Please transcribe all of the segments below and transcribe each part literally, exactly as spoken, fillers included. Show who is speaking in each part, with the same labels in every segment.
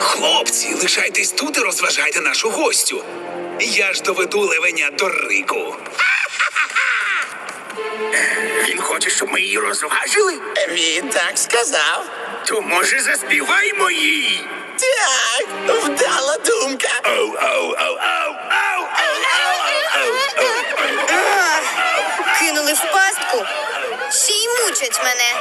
Speaker 1: Хлопці, лишайтесь тут і розважайте нашу гостю. Я ж доведу левеня до Рику.
Speaker 2: Він хоче, щоб ми її розважили?
Speaker 3: Він так сказав.
Speaker 2: То, може, заспіваймо їй?
Speaker 3: Так, вдала думка.
Speaker 2: Оу, оу, оу, оу, оу, оу, оу, оу.
Speaker 4: Кинули в пастку. Ще й мучать мене.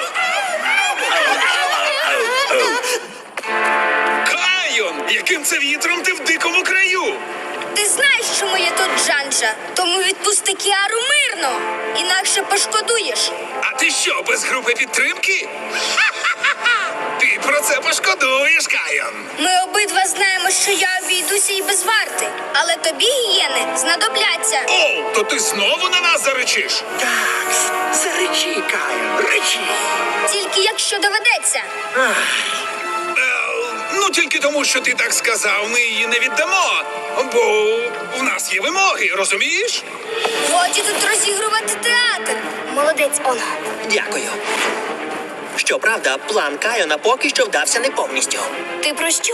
Speaker 1: Кайон, яким це вітром ти в дикому краю?
Speaker 4: Ти знаєш, чому я тут, Джанджа? Тому відпусти Кіару мирно. Інакше пошкодуєш.
Speaker 1: А ти що, без групи підтримки? Ти про це пошкодуєш, Кайон.
Speaker 4: Ми обидва знаємо, що я обійдуся і без варти. Але тобі, гієни, знадобляться.
Speaker 1: О, то ти знову на нас заречиш?
Speaker 2: Так, заречи, Кайон, речи.
Speaker 4: Тільки якщо доведеться.
Speaker 1: Е, ну, тільки тому, що ти так сказав, ми її не віддамо. Бо в нас є вимоги, розумієш?
Speaker 4: Годі тут розігрувати театр. Молодець, Оно.
Speaker 5: Дякую. Щоправда, план Кайона поки що вдався не повністю.
Speaker 4: Ти про що?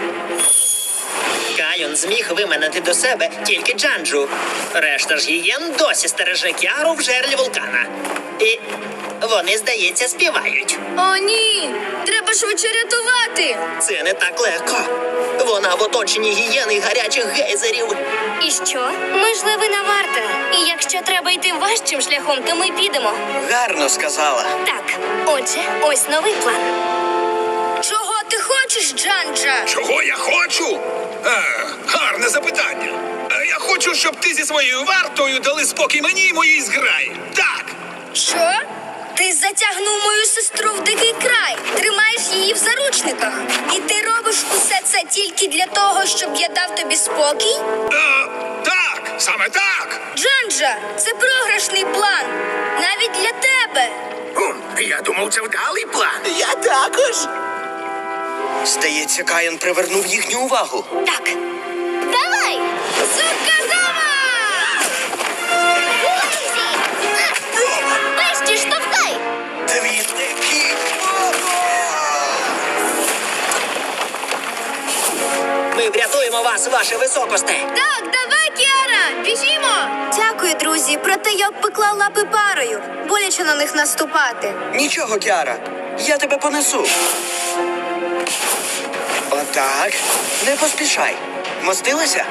Speaker 5: Кайон зміг виманити до себе тільки Джанджу. Решта ж гієн досі стереже Кіару в жерлі вулкана. І вони, здається, співають.
Speaker 4: О, ні! Треба швидше рятувати.
Speaker 5: Це не так легко. Вона в оточенні гієн і гарячих гейзерів.
Speaker 4: І що? Ми ж левина варта. І якщо треба йти важчим шляхом, то ми підемо.
Speaker 5: Гарно сказала.
Speaker 4: Так, отже, ось новий план. Чого ти хочеш, Джанджа?
Speaker 1: Чого я хочу? Е, гарне запитання. Е, я хочу, щоб ти зі своєю вартою дали спокій мені і моїй зграї. Так.
Speaker 4: Що? Ти затягнув мою сестру в дикий край, тримаєш її в заручниках. І ти робиш усе це тільки для того, щоб я дав тобі спокій?
Speaker 1: Е, так, саме так.
Speaker 4: Джанджа, це програшний план. Навіть для тебе.
Speaker 2: Ум, я думав, це вдалий план.
Speaker 3: Я також.
Speaker 5: Здається, Кайон привернув їхню увагу.
Speaker 4: Так. Давай! Сукадама! Вещі, штовхай!
Speaker 5: Двірники! Ми врятуємо вас, ваше високосте!
Speaker 4: Так, давай, Кіара, біжімо! Дякую, друзі, проте я обпекла лапи парою. Боляче на них наступати.
Speaker 5: Нічого, Кіара, я тебе понесу. Отак. Не поспішай. Мостилася?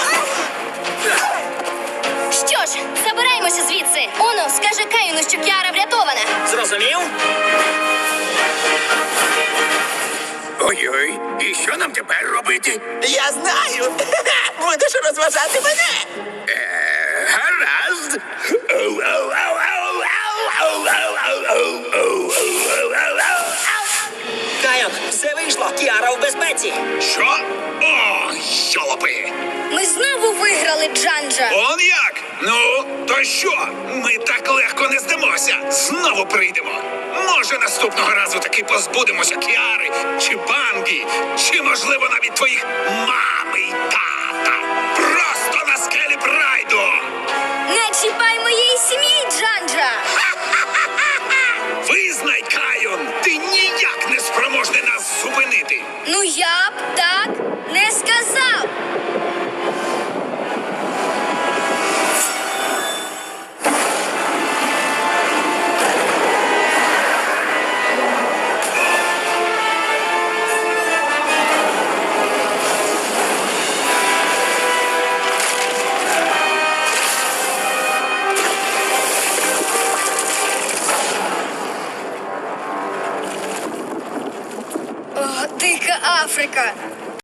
Speaker 4: Що ж, забираємося звідси. Оно, скаже Каїну, що Кіара врятована.
Speaker 5: Зрозумів?
Speaker 2: Ой-ой, і що нам тепер робити?
Speaker 3: Я знаю. Будеш розважати мене.
Speaker 2: Е, гаразд. Оу, оу, оу, оу, оу, оу, оу, оу, оу, оу, оу, оу.
Speaker 5: Кайон, все вийшло. Кіара в безпеці.
Speaker 1: Що? О, йолопи.
Speaker 4: Ми знову виграли, Джанджа.
Speaker 1: Он як? Ну, то що? Ми так легко не здамося. Знову прийдемо. Може, наступного разу таки позбудемося Кіари, чи Бангі, чи, можливо, навіть твоїх мами й тата. Просто на скелі прайду.
Speaker 4: Не чіпай моєї сім'ї, Джанджа.
Speaker 1: Визнай, Кайон, ти ніяк не спроможний нас зупинити.
Speaker 4: Ну я б так не сказав. О, дика Африка.